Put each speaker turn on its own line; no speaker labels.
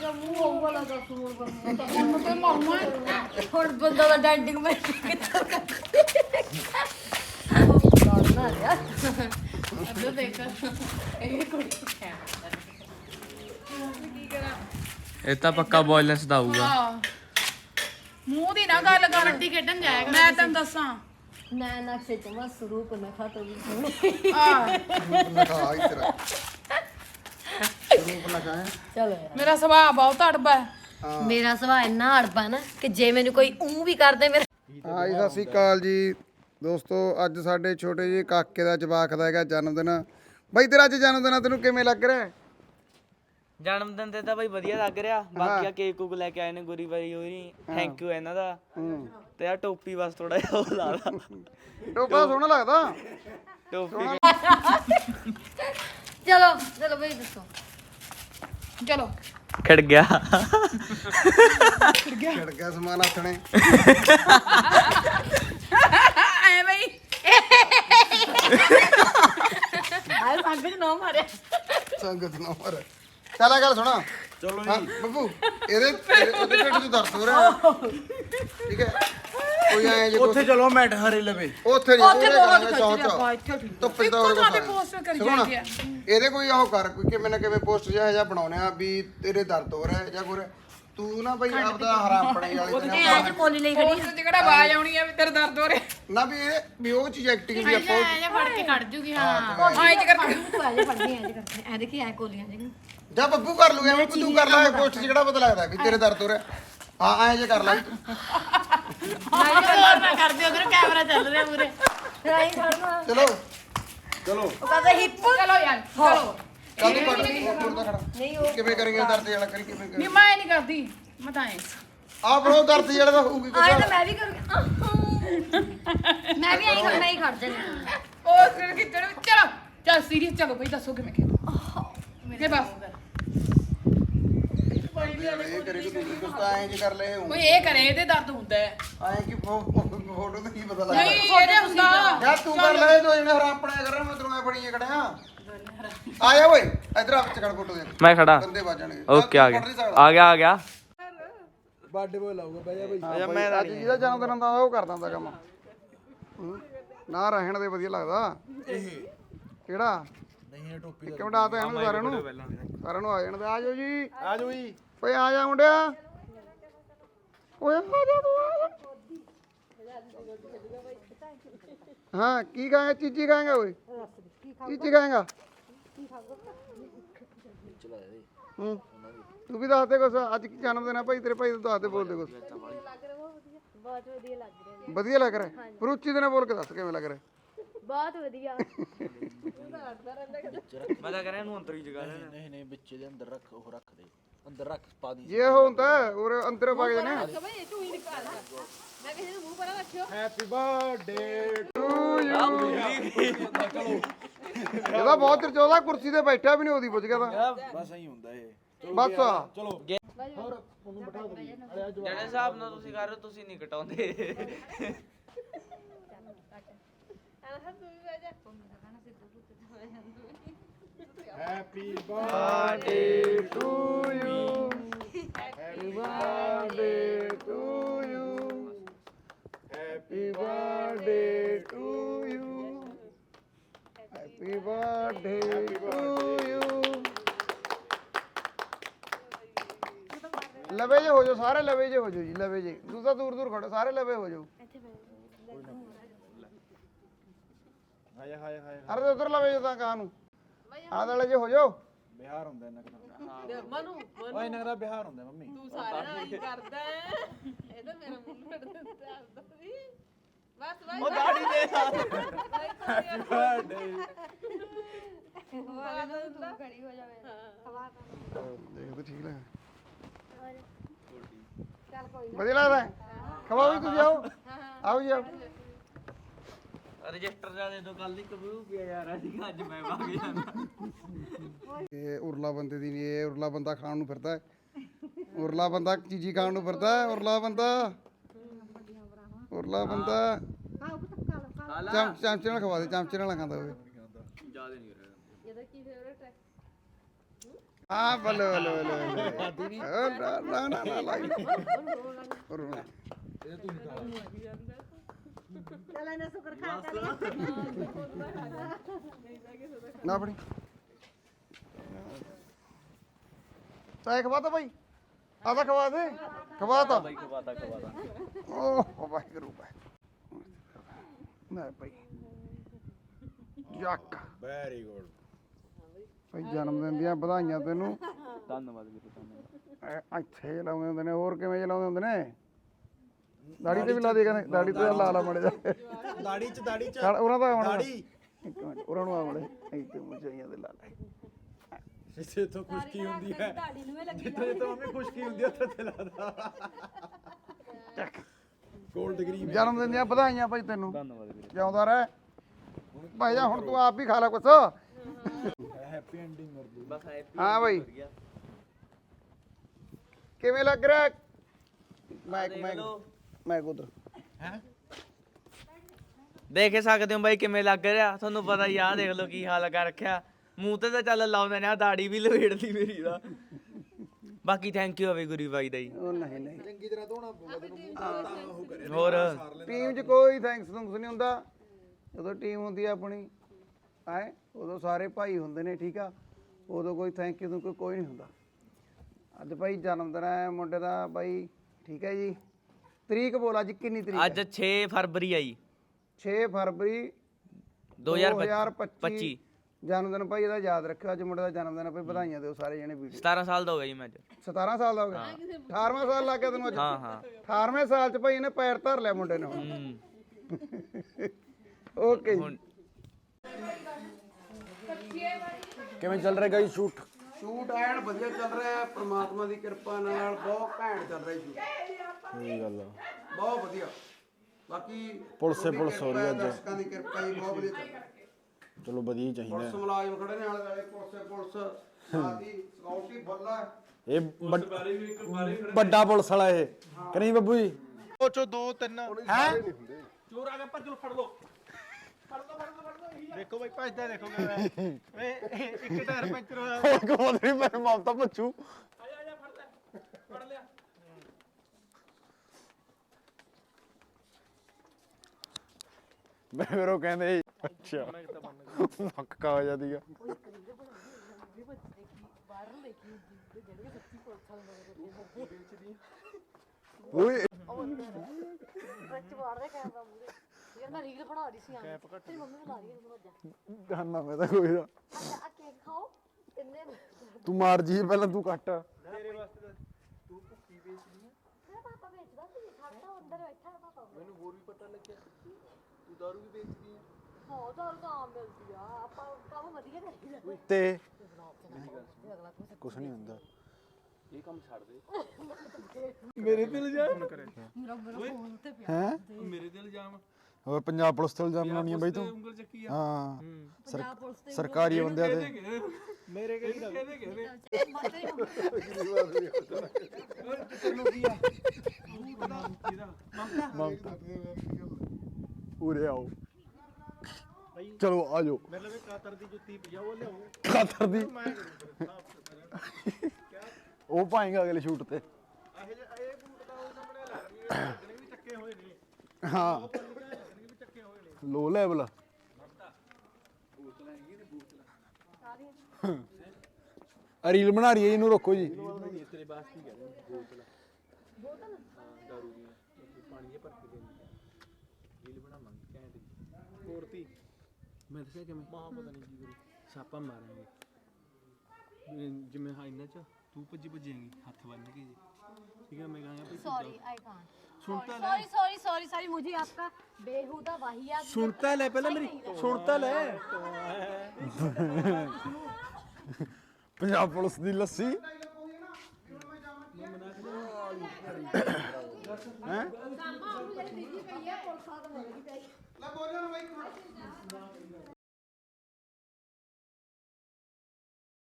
ਮੂੰਹ ਹੋਊਗਾ ਲਾ ਦੱਸ ਹੁਣ
ਹੁਣ ਤੇ ਮਾਰੂੰਗਾ
ਹੁਣ ਬੰਦਾ ਦਾ ਡੈਂਡਿੰਗ ਮੈਂ ਕਿੱਥੋਂ ਲੜਨਾ ਯਾਰ
ਅੱਧਾ ਦੇਖ ਇਹ ਕੁੜੀ ਕੀ ਕਰਾਂ
ਇਹ ਤਾਂ ਪੱਕਾ ਵਾਇਲੈਂਸ ਦਾ ਆਊਗਾ।
ਹਾਂ ਮੂੰਹ ਦੀ ਨਾ ਗੱਲ ਕਰ ਕਬੱਡੀ ਖੇਡਣ ਜਾਏਗਾ ਮੈਂ ਤੈਨੂੰ ਦੱਸਾਂ
ਨਾ ਨਕਸ਼ੇ ਚ ਮਸ ਰੂਪ ਨਾ ਖਾਤੋ ਵੀ
ਆ
ਲਗਾ ਇਤਰਾ ਰੂਪ ਲਗਾਇਆ
ਚਲੋ ਯਾਰ
ਮੇਰਾ ਸੁਭਾਅ ਬਹੁਤ ਅੜਬਾ ਹੈ
ਮੇਰਾ ਸੁਭਾਅ ਇੰਨਾ ਅੜਬਾ ਨਾ ਕਿ ਜੇ ਮੈਨੂੰ ਕੋਈ ਵੀ ਕਰਦੇ ਮੇਰੇ
ਹਾਂ ਜੀ ਸਤਿ ਸ਼੍ਰੀ ਅਕਾਲ ਜੀ ਦੋਸਤੋ। ਅੱਜ ਸਾਡੇ ਛੋਟੇ ਜਿਹੇ ਕਾਕੇ ਦਾ ਜਵਾਕ ਦਾ ਹੈਗਾ ਜਨਮ ਦਿਨ। ਬਾਈ ਤੇਰਾ ਅੱਜ ਜਨਮ ਦਿਨ ਆ, ਤੈਨੂੰ ਕਿਵੇਂ ਲੱਗ ਰਿਹਾ?
ਜਨਮ ਦਿਨ ਤੇ ਤਾਂ ਬਈ ਵਧੀਆ ਲੱਗ ਰਿਹਾ। ਬਾਕੀ ਆ ਕੇਕ ਕੁਕ ਲੈ ਕੇ ਆਏ ਨੇ ਗੁਰੀ ਬਾਈ ਹੋਰੀ, ਥੈਂਕ ਯੂ ਇਹਨਾਂ ਦਾ। ਤੇ ਆ ਟੋਪੀ ਬਸ ਥੋੜਾ ਜਿਹਾ ਉਹ ਲਾ ਲਾ।
ਟੋਪਾ ਸੋਹਣਾ ਲੱਗਦਾ।
ਟੋਪੀ
ਚਲੋ ਚਲੋ ਬਈ ਦੱਸੋ
ਚਲੋ
ਖੜ ਗਿਆ।
ਛੜ ਗਿਆ ਸਮਾਨ ਆਥਣੇ।
ਐ ਬਈ
ਆਏ ਸੰਗਤ ਨਾ ਮਾਰਿਆ
ਸੰਗਤ ਨਾ ਮਰ। ਚੱਲ ਆ ਗੱਲ ਸੁਣਾ। ਚਲੋ ਜੀ ਬੱਬੂ ਇਹਦੇ ਉਹਦੇ ਢਿੱਡ 'ਚ ਦਰਦ ਹੋ ਰਿਹਾ। ਠੀਕ ਹੈ ਕੋਈ ਆਏ ਜੇ
ਉੱਥੇ ਚਲੋ ਮੈਟ ਹਰੇ ਲਵੇ।
ਉੱਥੇ ਨਹੀਂ
ਉੱਥੇ ਬਹੁਤ
ਚੌਂ
ਖਿੱਚ ਰਿਹਾ
ਚੌਂ
ਇੱਥੇ ਠੀਕ
ਧੁੱਪੇ ਤਾਂ
ਇੱਕੋ ਥਾਂ ਤੇ
ਹੋਰ
ਪੋਸਟ ਕਰੀ
ਸੁਣਾ
ਜਾਂਦੀ ਆ
ਇਹਦੇ ਕੋਈ ਉਹ ਕਰ ਕੋਈ ਕਿਵੇਂ ਨਾ ਕਿਵੇਂ ਪੋਸਟ ਜਿਹਾ ਬਣਾਉਣੇ ਆ ਵੀ ਤੇਰੇ ਦਰਦ ਹੋ ਰਿਹਾ ਜਾਂ ਕੋਈ ਤੂੰ ਨਾ ਬਈ ਆਪਦਾ ਹਰਾਪਣੇ ਵਾਲੀ ਤੇ
ਅੱਜ ਕੋਲੀ ਲਈ ਖੜੀ
ਪੋਸਟ 'ਚ ਕਿਹੜਾ ਆਵਾਜ਼ ਆਉਣੀ ਆ ਵੀ ਤੇਰੇ ਦਰਦ ਹੋ ਰਿਹਾ
ਨਾ ਵੀ ਉਹ ਚੀਜ਼ ਐਕਟਿੰਗ ਵੀ ਆਪਾਂ
ਐ ਫੜ ਕੇ ਕੱਢ ਜੂਗੀ ਹਾਂ ਐਂ ਚ ਕਰਕੇ
ਤੂੰ ਆ ਜਾ ਫੜਦੀ ਐ ਕਰਦੇ ਐ ਦੇਖੀ ਐ ਕੋਲੀਆਂ ਜੀ
ਜਾਂ ਬੱਬੂ ਕਰ ਲੂਗਾ ਐਵੇਂ ਤੂੰ ਕਰ ਲੈ ਪੋਸਟ ਜਿਹੜਾ ਪਤਾ ਲੱਗਦਾ ਵੀ ਤੇਰੇ ਦਰਦ ਹੋ ਰਿਹਾ। ਹਾਂ ਐਂ ਜੇ ਕਰ ਲੈ
ਹੋਰ ਨਾ ਕਰਦੇ ਉਧਰ ਕੈਮਰਾ ਚੱਲ ਰਿਹਾ ਪੂਰੇ
ਰਾਈ ਫੜਨਾ
ਚਲੋ
ਉਹ ਕਹਿੰਦਾ ਹਿੱਪ
ਚਲੋ ਯਾਰ ਚਲੋ
ਚੱਲ ਤੂੰ ਪੜ ਦਾ ਖੜਾ
ਨਹੀਂ ਉਹ
ਕਿਵੇਂ ਕਰਾਂਗੇ ਦਰਦ ਜਿਹੜਾ ਕਰੀ ਕਿਵੇਂ
ਨਹੀਂ
ਕਰੀ
ਮੈਂ ਨਹੀਂ ਕਰਦੀ ਮੈਂ ਤਾਂ ਐਂ
ਆ ਬਣੋ ਦਰਦ ਜਿਹੜਾ ਤਾਂ ਹੋਊਗੀ
ਆਏ
ਕੁਛ
ਤਾਂ ਮੈਂ ਵੀ ਕਰੂੰਗੀ ਮੈਂ ਵੀ ਆਈ ਮੈਂ ਹੀ ਖੜ ਜਾਣੀ
ਉਹ ਸਿਰ ਖਿੱਚਣ ਚਲੋ ਚੱਲ ਸੀਰੀਅਸ ਚਲੋ ਬਈ ਦੱਸੋ ਕਿਵੇਂ ਖੇਡ ਇਹ ਬਸ
ਇਹ ਕਰੇ ਕਿ ਤੂੰ ਕੁਛ ਤਾਂ ਐਂ ਜੇ ਕਰ ਲੈ
ਕੋਈ ਇਹ ਕਰੇ ਇਹਦੇ ਦਰਦ ਹੁੰਦਾ ਹੈ
ਐਂ ਕਿ ਫੋਟੋ ਤੇ ਕੀ ਪਤਾ ਲੱਗਦਾ
ਨਹੀਂ ਇਹਦੇ ਹੁੰਦਾ
ਯਾਰ ਤੂੰ ਕਰ ਲੈ ਦੋ ਜਣੇ ਹਰਾਪਣਾ ਕਰ ਰਿਹਾ ਮੈਂ ਤੈਨੂੰ ਐ ਫੜੀਏ ਖੜਿਆ ਆ ਜਾ ਓਏ ਇਧਰ ਆ ਚੱਕੜ ਫੋਟੋ ਦੇ
ਮੈਂ ਖੜਾ।
ਬੰਦੇ ਵੱਜਣਗੇ
ਓਕੇ ਆ ਗਿਆ ਆ ਗਿਆ
ਬਰਥਡੇ ਬੋਏ ਲਾਊਗਾ ਬਹਿ ਜਾ ਬਈ।
ਹਾਂ ਮੈਂ ਅੱਜ ਜਿਹਦਾ ਜਨਮ ਦਿਨ ਹੁੰਦਾ ਉਹ ਕਰ ਦਿੰਦਾ ਕੰਮ ਨਾ ਰਹਿਣ ਦੇ ਵਧੀਆ ਲੱਗਦਾ ਕਿਹੜਾ
ਨਹੀਂ ਇਹ ਟੋਪੀ
ਇੱਕ ਮਿੰਟ ਆ ਤਾਂ ਇਹਨੂੰ ਸਾਰਿਆਂ ਨੂੰ ਆ ਜਾਣ ਦੇ ਆ ਜਾਓ ਜੀ
ਆ ਜਾਓ ਜੀ।
ਓਏ ਆ ਜਾ ਮੁੰਡਿਆ ਓਏ ਆ ਜਾ ਤੂੰ ਆ ਜਾ ਹਾਂ ਕੀ ਖਾਏਗਾ ਚੀਜ਼ੀ ਖਾਏਗਾ ਓਏ ਚੀਜ਼ੀ ਖਾਏਗਾ ਹੂੰ ਤੂੰ ਵੀ ਦੱਸ ਦੇ ਕੁਛ ਅੱਜ ਕੀ ਜਨਮ ਦਿਨ ਆ ਭਾਈ ਤੇਰੇ ਭਾਈ ਦਾ ਦੱਸ ਦੇ ਬੋਲ ਦੇ ਕੁਛ
ਬਹੁਤ ਵਧੀਆ ਲੱਗ ਰਿਹਾ
ਵਧੀਆ ਲੱਗ ਰਿਹਾ ਪਰ ਉੱਚੀ ਦੇ ਨਾਲ ਬੋਲ ਕੇ ਦੱਸ ਕਿਵੇਂ ਲੱਗ ਰਿਹਾ
ਬਹੁਤ ਵਧੀਆ
ਮੈਂ ਤਾਂ ਕਰਿਆ ਇਹਨੂੰ ਅੰਦਰ ਹੀ ਜਗਾ ਲੈਣਾ।
ਨਹੀਂ ਨਹੀਂ ਵਿੱਚੇ ਦੇ ਅੰਦਰ ਰੱਖ ਉਹ ਰੱਖ ਦੇ ਅੰਦਰ ਰੱਖ ਪਾ ਦੀ।
ਜੇ ਉਹ ਹੁੰਦਾ ਔਰ ਅੰਦਰ ਵਗ ਜਾਣੇ
ਹੈਪੀ ਬਰਥਡੇ
ਟੂ ਯੂ ਇਹਦਾ ਬਹੁਤ ਚਿਰ ਚੋਦਾ ਕੁਰਸੀ ਤੇ ਬੈਠਾ ਵੀ ਨਹੀਂ ਉਹਦੀ ਪੁੱਛ ਗਿਆ ਤਾਂ
ਬਸ ਐਂ ਹੁੰਦਾ ਇਹ।
ਬਸ
ਚਲੋ
ਜਿਹੜੇ ਹਿਸਾਬ ਨਾਲ ਤੁਸੀਂ ਕਰ ਰਹੇ ਹੋ ਤੁਸੀਂ ਨਹੀਂ ਕਟਾਉਂਦੇ।
Happy birthday
to you happy birthday to you happy birthday to you happy birthday to you ਲਵੇ ਜੇ ਹੋ ਜਾਓ ਸਾਰੇ ਲਵੇ ਜੇ ਹੋ ਜਾਓ ਜੀ ਲਵੇ ਜੇ ਦੂਸਰਾ ਦੂਰ ਦੂਰ ਖੜੋ ਸਾਰੇ ਲਵੇ ਹੋ ਜਾਓ
ਹਾਏ ਹਾਏ ਹਾਏ
ਅਰੇ ਉਧਰ ਲਵੇ ਜੇ ਤਾਂ ਕਹਾਂ ਨੂੰ ਆਹ ਵਾਲੇ ਜੇ ਹੋ ਜਾਓ
ਬਿਹਾਰ ਹੁੰਦਾ ਇਹਨਾਂ ਦਾ ਮਨੂ ਓਏ ਇਹਨਾਂ ਦਾ ਬਿਹਾਰ ਹੁੰਦਾ ਮੰਮੀ ਤੂੰ
ਸਾਰਿਆਂ ਨਾਲ ਹੀ ਕਰਦਾ ਹੈ ਇਹ ਤਾਂ ਮੇਰਾ ਮੂੰਹ ਫੜ ਦਿੰਦਾ ਸੀ ਬਸ ਬਸ
ਉਹ ਦਾੜੀ ਦੇ
ਬਰਥਡੇ
ਤੂੰ ਖੜੀ ਹੋ ਜਾਵੇ
ਦੇਖ ਤਾਂ ਠੀਕ ਲੱਗਾ ਵਧੀਆ ਲੱਗਦਾ ਹੈ? ਖਵਾਓ ਵੀ ਤੁਸੀਂ ਆਓ ਆਓ ਜੀ ਆਓ
ਰਜਿਸਟਰ ਦਾ ਦੇ ਦੋ ਕੱਲ ਦੀ ਕਬੂ ਪਿਆ ਯਾਰ ਅਸੀਂ ਅੱਜ ਮੈਂ ਵਗ ਜਾਣਾ।
ਇਹ ਉਰਲਾ ਬੰਦੇ ਦੀ ਨਹੀਂ ਇਹ ਉਰਲਾ ਬੰਦਾ ਖਾਣ ਨੂੰ ਫਿਰਦਾ ਹੈ ਉਰਲਾ ਬੰਦਾ ਚੀਜ਼ੀ ਖਾਣ ਨੂੰ ਫਿਰਦਾ ਹੈ ਉਰਲਾ ਬੰਦਾ ਚਮਚੇ ਨਾਲ ਖਵਾ ਦੇ ਚਮਚੇ ਨਾਲ ਖਾਂਦਾ ਹੋਵੇ
ਜਿਆਦਾ ਨਹੀਂ ਰਿਹਾ
ਇਹਦਾ ਕੀ ਫੇਵਰੇਟ ਹੈ
ਹਾਂ ਬੱਲੇ ਬੱਲੇ ਬੱਲੇ ਨਾ ਨਾ ਨਾ ਲਾਈ
ਚੱਲ ਇਹਨੇ ਸ਼ੁਕਰ ਖਾ ਕਰ
ਨਾ ਬਣੀ ਚਾਹ ਖਵਾ ਤਾ ਭਾਈ ਆਦਾ ਖਵਾ ਦੇ ਖਵਾ ਤਾ
ਬਾਈ ਖਵਾਤਾ
ਓਹ ਵਾਹਿਗੁਰੂ ਨਾ ਭਾਈ ਯੱਕ
ਵੈਰੀ ਗੁੱਡ
ਭਾਈ ਜਨਮ ਦਿਨ ਦੀਆਂ ਵਧਾਈਆਂ ਤੈਨੂੰ
ਧੰਨਵਾਦ ਵੀਰੇ ਧੰਨਵਾਦ
ਇੱਥੇ ਲਾਉਂਦੇ ਹੁੰਦੇ ਨੇ ਹੋਰ ਕਿਵੇਂ ਲਾਉਂਦੇ ਹੁੰਦੇ ਨੇ ਦਾੜੀ ਤੇ ਵੀ ਲਾ ਦੇ ਕਹਿੰਦੇ ਦਾੜੀ ਤੇ ਲਾ ਲਾ ਮੜੇ ਜਾ
ਦਾੜੀ ਚ
ਚੱਲ ਉਹਨਾਂ ਦਾ ਆਉਣਾ
ਦਾੜੀ
ਇੱਕ ਮਿੰਟ ਉਹਨਾਂ ਨੂੰ ਆਵੜੇ ਇੱਥੇ ਮੁਝਾਈਆਂ ਦੇ ਲਾ ਲੈ
ਜਿੱਥੇ ਤੋਂ ਖੁਸ਼ਕੀ ਹੁੰਦੀ ਹੈ ਜਿੱਥੇ ਤੋਂ ਮੰਮੀ ਖੁਸ਼ਕੀ ਹੁੰਦੀ ਹੈ ਉੱਥੇ ਤੇ ਲਾਦਾ ਗੋਲਡ ਡਿਗਰੀ
ਜਨਮ ਦਿਨ ਦੀਆਂ ਵਧਾਈਆਂ ਭਾਈ ਤੈਨੂੰ
ਧੰਨਵਾਦ ਵੀਰੇ
ਜਿਉਂਦਾ ਰਹਿ ਭਾਈ ਜਾ ਹੁਣ ਤੂੰ ਆਪ ਵੀ ਖਾ ਲੈ ਕੁਛ
ਹੈਪੀ ਐਂਡਿੰਗ ਕਰ ਦੂ
ਬਸ ਹੈਪੀ
ਹਾਂ ਭਾਈ ਕਿਵੇਂ ਲੱਗ ਰਿਹਾ ਮੈਂ ਉਧਰ
ਹੈ
ਦੇਖ ਸਕਦੇ ਹੋ ਬਾਈ ਕਿਵੇਂ ਲੱਗ ਰਿਹਾ ਤੁਹਾਨੂੰ ਪਤਾ ਹੀ ਆ ਦੇਖ ਲਓ ਕੀ ਹਾਲ ਕਰ ਰੱਖਿਆ ਮੂੰਹ ਤੇ ਤਾਂ ਚੱਲ ਲਾਉਂਦੇ ਨੇ ਆ ਦਾੜੀ ਵੀ ਲਵੇੜਦੀ ਮੇਰੀ ਦਾ ਬਾਕੀ ਥੈਂਕ ਯੂ ਅਵੇ ਗੁਰੀ ਬਾਈ ਦਾ ਜੀ
ਉਹ ਨਹੀਂ ਨਹੀਂ
ਚੰਗੀ ਤਰ੍ਹਾਂ ਧੋਣਾ ਪਊਗਾ ਤੈਨੂੰ ਮੂੰਹ ਤਾਂ ਉਹ ਕਰੇ
ਹੋਰ
ਟੀਮ 'ਚ ਕੋਈ ਥੈਂਕਸ ਥੁੰਕਸ ਨਹੀਂ ਹੁੰਦਾ ਜਦੋਂ ਟੀਮ ਹੁੰਦੀ ਆ ਆਪਣੀ ਹੈ ਉਦੋਂ ਸਾਰੇ ਭਾਈ ਹੁੰਦੇ ਨੇ ਠੀਕ ਆ ਉਦੋਂ ਕੋਈ ਥੈਂਕ ਯੂ ਕੋਈ ਨਹੀਂ ਹੁੰਦਾ ਅੱਜ ਭਾਈ ਜਨਮ ਦਿਨ ਹੈ ਮੁੰਡੇ ਦਾ ਬਾਈ ਠੀਕ ਹੈ ਜੀ ਤਰੀਕ ਬੋਲ ਅੱਜ ਕਿੰਨੀ ਤਰੀਕ
ਅੱਜ 6 ਫਰਵਰੀ ਆਈ
6 ਫਰਵਰੀ
2025
ਜਨਮ ਦਿਨ ਭਾਈ ਇਹਦਾ ਯਾਦ ਰੱਖਿਓ ਅੱਜ ਮੁੰਡੇ ਦਾ ਜਨਮ ਦਿਨ ਭਾਈ ਵਧਾਈਆਂ ਦਿਓ ਸਾਰੇ ਜਣੇ ਵੀਡੀਓ
17 ਸਾਲ ਦਾ ਹੋ ਗਿਆ ਜੀ ਮੈਂ ਅੱਜ
17 ਸਾਲ ਦਾ ਹੋ ਗਿਆ 18ਵਾਂ ਸਾਲ ਲੱਗ ਗਿਆ ਤੈਨੂੰ ਅੱਜ
ਹਾਂ ਹਾਂ
18ਵੇਂ ਸਾਲ 'ਚ ਭਾਈ ਇਹਨੇ ਪੈਰ ਧਰ ਲਿਆ ਮੁੰਡੇ ਨੇ ਹੁਣ
ਹੂੰ
ਓਕੇ
ਹੁਣ
ਕਿਵੇਂ ਚੱਲ ਰਿਹਾ ਗਾਈ ਸ਼ੂਟ
ਸ਼ੂਟ ਐਨ ਵਧੀਆ ਚੱਲ ਰਿਹਾ ਹੈ ਪ੍ਰਮਾਤਮਾ ਦੀ ਕਿਰਪਾ ਨਾਲ ਬਹੁਤ ਘੈਂਟ ਚੱਲ ਰਿਹਾ ਸ਼ੂਟ
ਇਹ ਗੱਲ ਆ
ਬਹੁਤ ਵਧੀਆ ਬਾਕੀ
ਪੁਲਿਸ
ਤੁਹਾਡੀ
ਪੁਲਿਸ ਹੋ ਰਹੀ ਹੈ ਅੱਜ।
ਦਰਸ਼ਕਾਂ ਦੀ ਕਿਰਪਾ ਹੀ ਬਹੁਤ ਵਧੀਆ ਚੱਲ ਰਿਹਾ
ਚਲੋ ਵਧੀਆ ਹੀ ਚਾਹੀਦਾ
ਪੁਲਿਸ ਮੁਲਾਜ਼ਮ ਖੜੇ ਨੇ ਆਲੇ ਦੁਆਲੇ ਪੁਲਿਸ ਸਾਥੀ ਸਕਿਉਰਟੀ ਫੁੱਲਾ
ਇਹ ਵੱਡਾ ਪੁਲਿਸ ਵਾਲਾ ਇਹ ਕਿ ਨਹੀਂ ਬੱਬੂ ਜੀ ਉਹ ਚੋ 2 3 ਹੈ ਚੋਰ ਆ ਗਿਆ ਭੱਜ ਲੋ ਫੜ ਲੋ ਦੇਖੋ ਬਾਈ ਭੱਜਦਾ ਦੇਖੋ ਓਏ ਇੱਕ ਟਾਇਰ ਪੈਂਚਰ ਹੋਇਆ ਹੋਰ ਕੋਲ ਨਹੀਂ ਮੈਂ ਮਮਤਾ ਪੁੱਛੂ ਆ ਜਾ ਫੜ ਲਿਆ ਮੈਂ ਫਿਰ ਉਹ ਕਹਿੰਦੇ ਅੱਛਾ ਮੱਕਾ ਹੋ ਜਾਂਦੀਗਾ ਓਏ
ਯਾਰ ਮੈਂ ਰੀਲ ਬਣਾ ਰਹੀ ਸੀ ਆ ਤੇਰੀ ਮੰਮੀ ਬਣਾ ਰਹੀ ਹੈ ਮੈਨੂੰ ਅੱਜ
ਗਾਨਾ ਮੈਂ ਤਾਂ ਕੋਈ ਨਾ
ਆ ਕੇਕ ਖਾਓ ਇੰਨੇ
ਤੂੰ ਮਾਰ ਜੀ ਪਹਿਲਾਂ ਤੂੰ ਕੱਟ
ਮੇਰਾ ਪਾਪਾ ਵੇਚਦਾ ਸੀ ਸਾਡਾ ਅੰਦਰ ਬੈਠਾ ਹੈ ਪਾਪਾ ਮੈਨੂੰ ਹੋਰ ਵੀ ਪਤਾ ਲੱਗਿਆ ਤੂੰ ਦਾਰੂ ਵੀ ਵੇਚਦੀ ਹੈ ਹਾਂ ਦਾਰੂ ਤਾਂ ਆਮ ਮਿਲਦੀ ਆ ਆਪਾਂ ਕੰਮ ਵਧੀਆ ਕਰੀਦਾ
ਤੇ ਕੁਛ ਨਹੀਂ ਹੁੰਦਾ
ਇਹ ਕੰਮ ਛੱਡ ਦੇ
ਮੇਰੇ ਤੇ ਇਲਜ਼ਾਮ
ਮੇਰਾ ਫੋਨ ਤੇ ਪਿਆ
ਹੈ
ਮੇਰੇ ਤੇ ਇਲਜ਼ਾਮ
ਹੋਰ ਪੰਜਾਬ ਪੁਲਿਸ ਤੇ ਇਲਜ਼ਾਮ ਲਾਉਣੀ ਆ ਬਾਈ ਤੂੰ
ਉਂਗਲ ਚੱਕੀ
ਹਾਂ
ਪੰਜਾਬ ਪੁਲਿਸ ਤੇ
ਸਰਕਾਰੀ ਬੰਦਿਆਂ ਤੇ
ਮੇਰੇ ਕਿਹੜੀ ਕਹਿੰਦੇ
ਤੈਨੂੰ ਕੀ ਆ ਮਮਤਾ ਉਰੇ ਆਓ ਚਲੋ ਆ ਜਾਓ ਮੇਰੇ ਲਈ ਕਾਤਰ ਦੀ ਜੁੱਤੀ ਪਜਾਓ ਲਿਆਓ ਕਾਤਰ ਦੀ ਉਹ ਪਾਏਗਾ ਅਗਲੇ ਸ਼ੂਟ ਤੇ ਇਹ ਬੂਟ ਦਾ ਉਹ ਸਾਹਮਣੇ ਲੱਗਣੀ ਵੀ ਚੱਕੇ ਹੋਏ ਨੇ ਹਾਂ ਲੋ ਲੈਵਲ ਰੀਲ ਬਣਾ ਰਹੀ ਹੈ ਇਹਨੂੰ ਰੋਕੋ ਜੀ
ਤੇਰੇ ਬਾਸ ਕੀ ਕਹਿੰਦੇ ਬੋਤਲ ਦਾਰੂ ਦੀ ਪਾਣੀ ਜੇ ਭਰ ਕੇ ਦੇਣੀ ਰੀਲ ਬਣਾਵਾਂਗੇ ਘੈਂਟ ਕੋਰਤੀ ਮੈਂ ਦੱਸਿਆ ਕਿਵੇਂ ਮਾਂ ਪਤਾ ਨਹੀਂ ਕੀ ਕਰੂ ਛਾਪਾ ਮਾਰਾਂਗੇ ਜਿਵੇਂ ਹਾਂ ਇਹਨਾਂ ਚ ਤੂੰ ਭੱਜੇਂਗੀ ਹੱਥ ਬੰਨ ਕੇ ਜੀ ठीक है मैं कहां पे
सॉरी आई कांट
सुनता
सॉरी सॉरी सॉरी सॉरी मुझे आपका बेहुदा वाहियात
सुनता ले पहले मेरी सुनता ले पंजाब पुलिस दी लस्सी हैं